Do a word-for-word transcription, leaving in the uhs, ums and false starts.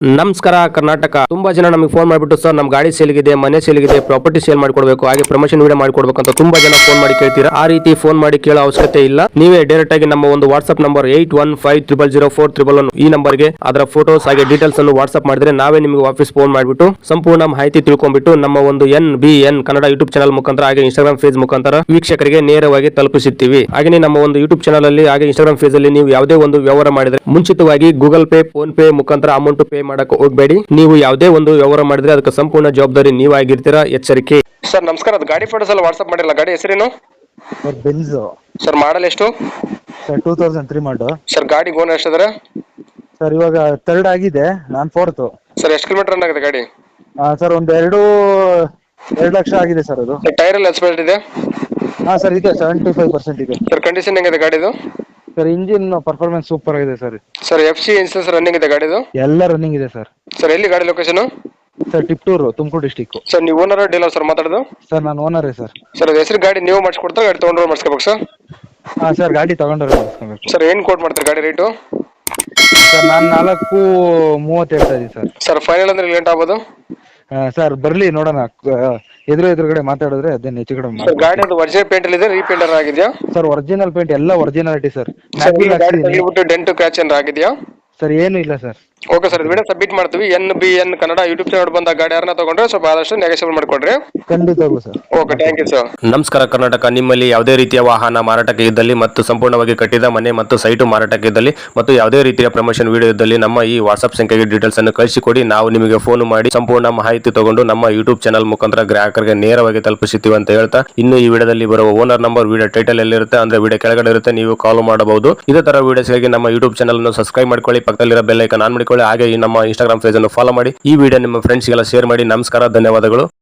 ನಮಸ್ಕಾರ ಕರ್ನಾಟಕ. ತುಂಬಾ ಜನ ನಮಗೆ ಫೋನ್ ಮಾಡಿಬಿಟ್ಟು ಸರ್ ನಮ್ಮ ಗಾಡಿ ಸೇಲ್ಗಿದೆ, ಮನೆ ಸೇಲ್ಗಿದೆ, ಪ್ರಾಪರ್ಟಿ ಸೇಲ್ ಮಾಡ್ಕೊಡ್ಬೇಕು, ಹಾಗೆ ಪ್ರಮೋಷನ್ ವಿಡಿಯೋ ಮಾಡ್ಕೊಡ್ಬೇಕು ಅಂತ ತುಂಬಾ ಜನ ಫೋನ್ ಮಾಡಿ ಕೇಳ್ತೀರಾ. ಆ ರೀತಿ ಫೋನ್ ಮಾಡಿ ಕೇಳೋ ಅವಶ್ಯಕತೆ ಇಲ್ಲ. ನೀವೇ ಡೈರೆಕ್ಟ್ ಆಗಿ ನಮ್ಮ ಒಂದು WhatsApp number eight one five triple zero four triple one ಈ ನಂಬರ್ಗೆ ಅದರ ಫೋಟೋಸ್ ಹಾಗೆ ಡೀಟೇಲ್ಸ್ ಅನ್ನು ವಾಟ್ಸ್ಆಪ್ ಮಾಡಿದ್ರೆ ನಾವೇ ನಿಮಗೆ ವಾಪಸ್ ಫೋನ್ ಮಾಡಿಬಿಟ್ಟು ಸಂಪೂರ್ಣ ಮಾಹಿತಿ ತಿಳ್ಕೊಂಡ್ಬಿಟ್ಟು ನಮ್ಮ ಒಂದು N B N Kannada YouTube channel ಮುಖಾಂತರ ಹಾಗೆ ಇನ್ಸ್ಟಾಗ್ರಾಮ್ ಫೇಸ್ ಮುಖಾಂತರ ವೀಕ್ಷಕರಿಗೆ ನೇರವಾಗಿ ತಲುಪಿಸುತ್ತೀವಿ. ಹಾಗೆ ನಮ್ಮ ಒಂದು ಯೂಟ್ಯೂಬ್ ಚಾನಲ್ ಅಲ್ಲಿ ಹಾಗೆ ಇನ್ಸ್ಟಾಗ್ರಾಮ್ ಫೇಸ್ ಅಲ್ಲಿ ನೀವು ಯಾವುದೇ ಒಂದು ವ್ಯವಹಾರ ಮಾಡಿದ್ರೆ ಮುಂಚಿತವಾಗಿ ಗೂಗಲ್ ಪೇ, ಫೋನ್ ಪೇ ಮುಖಾಂತರ ಅಮೌಂಟ್ ಪೇ ಮಾಡಕ್ಕೆ ಹೋಗಬೇಡಿ. ನೀವು ಯಾವುದೇ ಒಂದು ವ್ಯವಹಾರ ಮಾಡಿದ್ರೆ ಅದಕ್ಕೆ ಸಂಪೂರ್ಣ ಜವಾಬ್ದಾರಿ ನೀವಾಗಿರ್ತೀರಾ, ಎಚ್ಚರಿಕೆ. ಸರ್ ನಮಸ್ಕಾರ, ಅದು ಗಾಡಿ ಫೋಟೋಸ್ ಎಲ್ಲ ವಾಟ್ಸ್ಆಪ್ ಮಾಡಿಲ್ಲ. ಗಾಡಿ ಹೆಸರೇನು ಸರ್? Benz sir. ಮಾಡಲ್ ಎಷ್ಟು sir? Two thousand three model sir. ಗಾಡಿ ಓನರ್ ಎಷ್ಟಿದ್ದಾರೆ ಸರ್? ಇವಾಗ ಥರ್ಡ್ ಆಗಿದೆ, ನಾನು ಫೋರ್ತ್. ಸರ್ ಎಷ್ಟು ಕಿಲೋಮೀಟರ್ ರನ್ ಆಗಿದೆ ಗಾಡಿ? ಸರ್ ಒಂದು ಎರಡು ಎರಡು ಲಕ್ಷ ಆಗಿದೆ ಸರ್. ಅದು ಟೈರ್ ಎಲ್ಲ ಎಕ್ಸ್ಪೈರ್ಡ್ ಇದೆ? ಹಾಂ ಸರ್, ಇದೆ ಸೆವೆಂಟಿ ಫೈವ್ ಪರ್ಸೆಂಟ್ ಇದೆ ಸರ್. ಕಂಡೀಷನ್ ಹೆಂಗಿದೆ ಗಾಡಿದು? ಸರ್ ಇಂಜಿನ್ ಪರ್ಫಾರ್ಮೆನ್ಸ್ ಸೂಪರ್ ಆಗಿದೆ sir. Sir F C insurance running ಇದೆ ಗಾಡಿದು? ಎಲ್ಲ ರನ್ನಿಂಗ್ ಇದೆ ಸರ್. ಸರ್ ಎಲ್ಲಿ ಗಾಡಿ location? Sir Tiptur, Tumkur district. Sir ನೀವು ಓನರ್ ಡೀಲರ್ ಸರ್ ಮಾತಾಡೋದು? ಸರ್ ನಾನು ಓನರೇ ಸರ್. ಸರ್ ಅದು ಹೆಸರು ಗಾಡಿ ನೀವು ಮಾಡಿಸ್ಕೊಡ್ತಾರೆ, ಗಾಡಿ ತೊಗೊಂಡ್ರೆ ಮಾಡಿಸ್ಕೋಬೇಕು ಸರ್? ಹಾಂ ಸರ್, ಗಾಡಿ ತಗೊಂಡ್ರೆ ಮಾಡಿಸ್ಕೋಬೇಕು. ಸರ್ ಏನು ಕೋಟ್ ಮಾಡ್ತಾರೆ ಗಾಡಿ ರೇಟು? ಸರ್ ನಾನು ನಾಲ್ಕು ಮೂವತ್ತು ಹೇಳ್ತಾ ಇದ್ದೀನಿ ಸರ್. ಸರ್ ಫೈನಲ್ ಅಂದ್ರೆ ಲೇಟ್ ಆಗ್ಬೋದು ಸರ್. ಬರಲಿ ನೋಡೋಣ, ಎದುರು ಎದುರುಗಡೆ ಮಾತಾಡಿದ್ರೆ ಅದೇನು ಹೆಚ್ಚು ಕಡಿಮೆ ಸರ್. ಗಾಡಿ ಅದು ಒರಿಜಿನಲ್ ಪೇಂಟ್ ಇದೆ, ರೀಪೇಂಟರ್ ಆಗಿದೆಯಾ? ಸರ್ ಒರಿಜಿನಲ್ ಪೇಂಟ್ ಎಲ್ಲ ಒರಿಜಿನಾಲಿಟಿ ಸರ್. ಡೆಂಟ್ ಕ್ರ್ಯಾಚ್ ಏನಾರ ಆಗಿದೆಯಾ? ಸರ್ ಏನು ಇಲ್ಲ sir. Okay sir, video submit ಮಾಡ್ತೀವಿ. N B N Kannada YouTube channel ಬಂದ ಗಾಡಿ ಯಾರನ್ನ ತಗೊಂಡ್ರೆ ಸ್ವಲ್ಪ ಆದಷ್ಟು ನೆಗೋಷಿಯೇಟ್ ಮಾಡಿಕೊಡ್ರಿ. ಖಂಡಿತವಾಗ್ಲೂ sir. Okay, thank you sir. ನಮಸ್ಕಾರ ಕರ್ನಾಟಕ. ನಿಮ್ಮಲ್ಲಿ ಯಾವುದೇ ರೀತಿಯ ವಾಹನ ಮಾರಾಟಕ್ಕೆ ಇದ್ದಲ್ಲಿ ಮತ್ತು ಸಂಪೂರ್ಣವಾಗಿ ಕಟ್ಟಿದ ಮನೆ ಮತ್ತು ಸೈಟು ಮಾರಾಟಕ್ಕೆ ಇದ್ದಲ್ಲಿ ಮತ್ತು ಯಾವುದೇ ರೀತಿಯ ಪ್ರಮೋಷನ್ ವಿಡಿಯೋ ಇದ್ದಲ್ಲಿ ನಮ್ಮ ಈ ವಾಟ್ಸ್ಆಪ್ ಸಂಖ್ಯೆಗೆ ಡೀಟೇಲ್ಸ್ ಅನ್ನು ಕಳಿಸಿಕೊಡಿ. ನಾವು ನಿಮಗೆ ಫೋನ್ ಮಾಡಿ ಸಂಪೂರ್ಣ ಮಾಹಿತಿ ತಗೊಂಡು ನಮ್ಮ ಯೂಟ್ಯೂಬ್ ಚಾನಲ್ ಮುಖಾಂತರ ಗ್ರಾಹಕರಿಗೆ ನೇರವಾಗಿ ತಲುಪಿಸುತ್ತೀವಿ ಅಂತ ಹೇಳ್ತಾ, ಇನ್ನು ಈ ವಿಡಿಯೋದಲ್ಲಿ ಬರುವ ಓನರ್ ನಂಬರ್ ವಿಡಿಯೋ ಟೈಟಲ್ ಎಲ್ಲಿರುತ್ತೆ ಅಂದ್ರೆ ವಿಡಿಯೋ ಕೆಳಗಡೆ ಇರುತ್ತೆ, ನೀವು ಕಾಲ್ ಮಾಡಬಹುದು. ಇದೇ ತರ ವಿಡಿಯೋಸ್ಗಾಗಿ ನಮ್ಮ ಯೂಟ್ಯೂಬ್ ಚಾನಲ್ ಅನ್ನು ಸಬ್ಸ್ಕ್ರೈಬ್ ಮಾಡ್ಕೊಳ್ಳಿ, ಪಕ್ಕದಲ್ಲಿರೋ ಬೆಲ್ ಐಕಾನ್ ಆನ್ ಮಾಡಿಕೊಳ್ಳಿ, ಹಾಗೆ ಈ ನಮ್ಮ ಇನ್ಸ್ಟಾಗ್ರಾಮ್ ಪೇಜ್ ಅನ್ನು ಫಾಲೋ ಮಾಡಿ. ಈ ವಿಡಿಯೋ ನಿಮ್ಮ ಫ್ರೆಂಡ್ಸ್ಗೆಲ್ಲ ಶೇರ್ ಮಾಡಿ. ನಮಸ್ಕಾರ, ಧನ್ಯವಾದಗಳು.